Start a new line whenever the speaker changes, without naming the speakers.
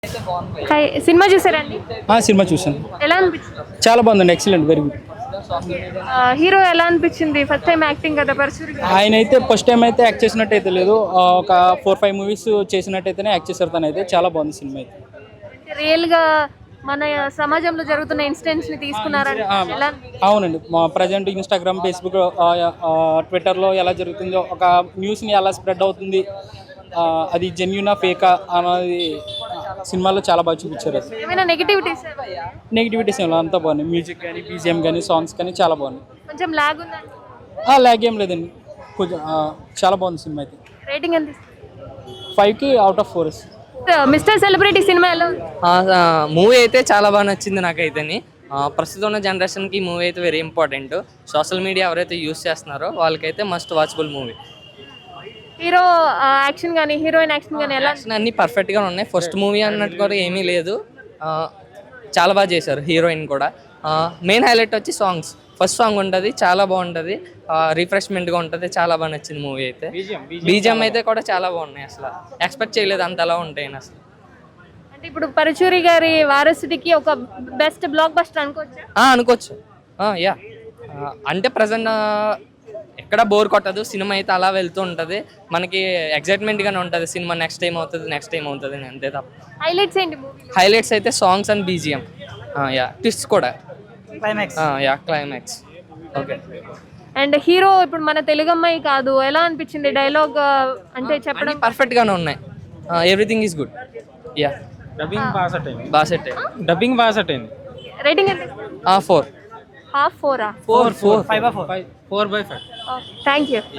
Hi cinema చూసారండి?
Cinema చూసాను,
ఎలా అనిపించింది?
చాలా బాగుందండి. Excellent, very good.
హీరో ఎలా అనిపించింది? ఫస్ట్ టైం యాక్టింగ్ కదా పరశురి గారు.
ఆయన అయితే ఫస్ట్ టైం అయితే యాక్ట్ చేసినట్టు అయితే లేదు. ఒక 4-5 మూవీస్ చేసినట్టయితేనే యాక్ట్ చేశారు. తను అయితే చాలా బాగుంది సినిమా అయితే.
రియల్ గా మన సమాజంలో జరుగుతున్న ఇన్సిడెంట్స్ ని తీసుకున్నారండి. ఎలా
అవునండి, మా ప్రజెంట్ ఇన్స్టాగ్రామ్, ఫేస్బుక్, ట్విట్టర్లో ఎలా జరుగుతుందో, ఒక న్యూస్ని ఎలా స్ప్రెడ్ అవుతుంది, అది జెన్యునా ఫేకా అనేది సినిమాలో చాలా బాగా చూపించారు. అది
ఏమైనా నెగటివిటీస్?
నెగిటివిటీస్ ఏమో అంతా బాగున్నాయి. మ్యూజిక్ కానీ, బీజిఎం కానీ, సాంగ్స్ కానీ చాలా బాగున్నాయి.
కొంచెం లాగ్ ఉందండి.
లాగ్ ఏం లేదండి, కొంచెం చాలా బాగుంది సినిమా అయితే.
రేటింగ్ ఎంత?
5కి అవుట్ ఆఫ్ 4.
మిస్టర్ సెలబ్రిటీ సినిమా ఎలా ఉంది?
మూవీ అయితే చాలా బాగా నచ్చింది నాకైతేని. ప్రస్తుతం ఉన్న జనరేషన్కి ఈ మూవీ అయితే వెరీ ఇంపార్టెంట్. సోషల్ మీడియా ఎవరైతే యూస్ చేస్తున్నారో వాళ్ళకైతే must watchable movie.
Hero action కానీ హీరోయిన్ యాక్షన్ కానీ ఎలా?
యాక్షన్ అన్నీ పర్ఫెక్ట్గా ఉన్నాయి. ఫస్ట్ మూవీ అన్నట్టు కూడా ఏమీ లేదు. చాలా బాగా చేశారు హీరోయిన్ కూడా. మెయిన్ హైలైట్ వచ్చి సాంగ్స్. ఫస్ట్ సాంగ్ ఉంటుంది, చాలా బాగుంటుంది, రిఫ్రెష్మెంట్గా ఉంటుంది. చాలా బాగా నచ్చింది మూవీ అయితే. బీజిఎం అయితే కూడా చాలా బాగున్నాయి. అసలు ఎక్స్పెక్ట్ చేయలేదు అంతలా ఉంటాయని అసలు.
అంటే ఇప్పుడు పరశురి గారి వారసుడికి ఒక బెస్ట్ బ్లాక్ బస్టర్ అనుకోవచ్చు.
అనుకోవచ్చు. యా, అంటే ప్రజెంట్ ఎక్కడ బోర్ కొట్టదు. సినిమా అయితే అలా వెళ్తూ ఉంటుంది. మనకి ఎక్సైట్మెంట్గానే ఉంటుంది. సినిమా నెక్స్ట్ టైం అవుతుంది అంతే తప్ప.
హైలైట్స్ ఏంటి మూవీ?
హైలైట్స్ అయితే songs and BGM. Yeah, twist కూడా. క్లైమాక్స్. ఓకే.
అండ్ హీరో ఇప్పుడు మన తెలుగు అమ్మాయి కాదు, ఎలా అనిపించింది డైలాగ్ అంటే చెప్పడం?
పర్ఫెక్ట్ గానే ఉన్నాయి. Everything is good. Yeah,
dubbing
బాగా సెట్ అయింది.
డబ్బింగ్ బాగా సెట్ అయింది.
రేటింగ్ ఎంత?
4.
హాఫ్ 4.
4.
5/4. 4/5.
Thank you.